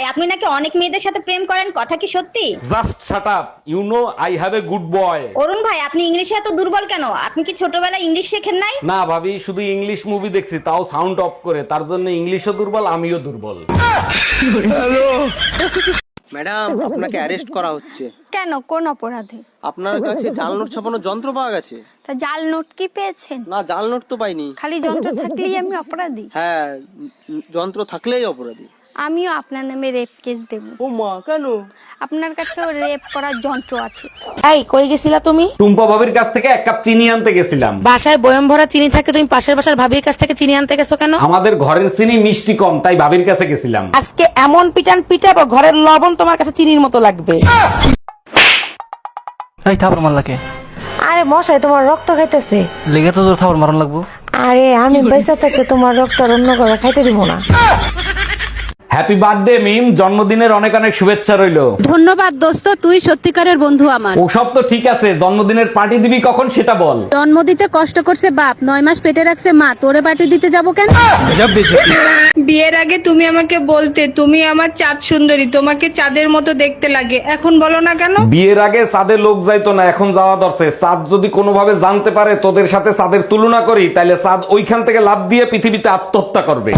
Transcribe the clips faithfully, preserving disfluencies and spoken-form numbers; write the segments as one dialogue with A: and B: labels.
A: আপনি নাকি অনেক মেয়েদের সাথে প্রেম করেন, কথা কি সত্যি?
B: Just shut up, you know I have a good boy.
A: Arun ভাই, আপনি ইংলিশে এত দুর্বল কেন? আপনি কি ছোটবেলায় ইংলিশ শেখেন নাই?
B: না ভাবি, শুধু ইংলিশ মুভি দেখছি, তাও সাউন্ড অফ করে, তার জন্য ইংলিশও দুর্বল আমিও দুর্বল।
C: ম্যাডাম, আপনাকে অ্যারেস্ট করা হচ্ছে।
D: কেন, কোন অপরাধে?
C: আপনার কাছে জাল নোট ছাপানোর যন্ত্র পাওয়া গেছে।
D: তা জাল নোট কি পেয়েছেন?
C: না, জাল নোট তো পাইনি।
D: খালি যন্ত্র থাকলেই আমি অপরাধী?
C: হ্যাঁ, উম, যন্ত্র থাকলেই অপরাধী।
D: আমিও আপনার নামে রেপ কেস দেব।
C: ও মা, কেন?
D: আপনার কাছেও রেপ করার যন্ত্র আছে।
E: এই কই গেছিলা তুমি?
B: টুম্পা ভাবির কাছ থেকে এক কাপ চিনি আনতে গেছিলাম।
E: বাসায় বয়ম ভরা চিনি থাকে, তুমি পাশের বাসার ভাবির কাছ থেকে চিনি আনতে গেছো কেন?
B: আমাদের ঘরের চিনি মিষ্টি কম, তাই ভাবির কাছে গেছিলাম।
E: আজকে এমন পিটান পিটাবো ঘরের লবণ তোমার কাছে চিনির মতো লাগবে।
F: এই থাপড় মারলাকে?
G: আরে মশাই, তোমার রক্ত খাইতেছে।
F: লেগে তো তোর থাপড় মারন লাগবো।
G: আরে আমি পয়সা থেকে তোমার রক্ত আর অন্য করে খাইতে দিব না।
B: হ্যাপি বার্থডে মিম, জন্মদিনের অনেক অনেক শুভেচ্ছা রইলো।
H: ধন্যবাদ দোস্ত, তুই সত্যিকারের বন্ধু আমার।
B: ওসব তো ঠিক আছে, জন্মদিনের পার্টি দিবি কখন সেটা বল।
H: জন্ম দিতে কষ্ট করছে বাপ, নয় মাস পেটে রাখছে মা, তোরে পার্টি দিতে যাবো কেন?
I: বিয়ের আগে তুমি আমাকে বলতে তুমি আমার চাঁদ সুন্দরী, তোমাকে চাঁদের মতো দেখতে লাগে, এখন বলো না কেন?
B: বিয়ের আগে চাঁদে লোক যাইতো না, এখন যাওয়া দরছে। চাঁদ যদি কোনোভাবে জানতে পারে তোদের সাথে চাঁদের তুলনা করি, তাহলে চাঁদ ওইখান থেকে লাফ দিয়ে পৃথিবীতে আত্মহত্যা করবে।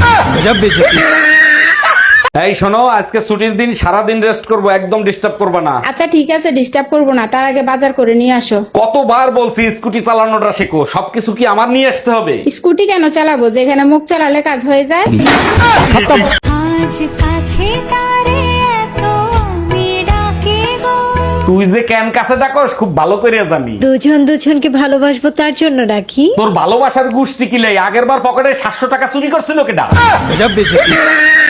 B: এই শোনো, আজকে ছুটির দিন, সারা দিন রেস্ট করব, একদম ডিস্টার্ব করবে না।
I: আচ্ছা ঠিক আছে, ডিস্টার্ব করবো না, তার আগে বাজার করে নিয়ে আসো।
B: কতবার বলছি স্কুটি চালানোটা শেখো, সবকিছু কি আমার নিয়ে আসতে হবে?
I: স্কুটি কেন চালাবো, যেখানে মুখ চালালে কাজ হয়ে যায়।
B: তুই যে কেন কাছে ডাকস খুব ভালো করে জানি।
G: দুজন দুজনকে ভালোবাসবো তার জন্য ডাকি।
B: তোর ভালোবাসার গুষ্টি কিলাই, আগের বার পকেটে সাতশো টাকা চুরি করছিল কেডা?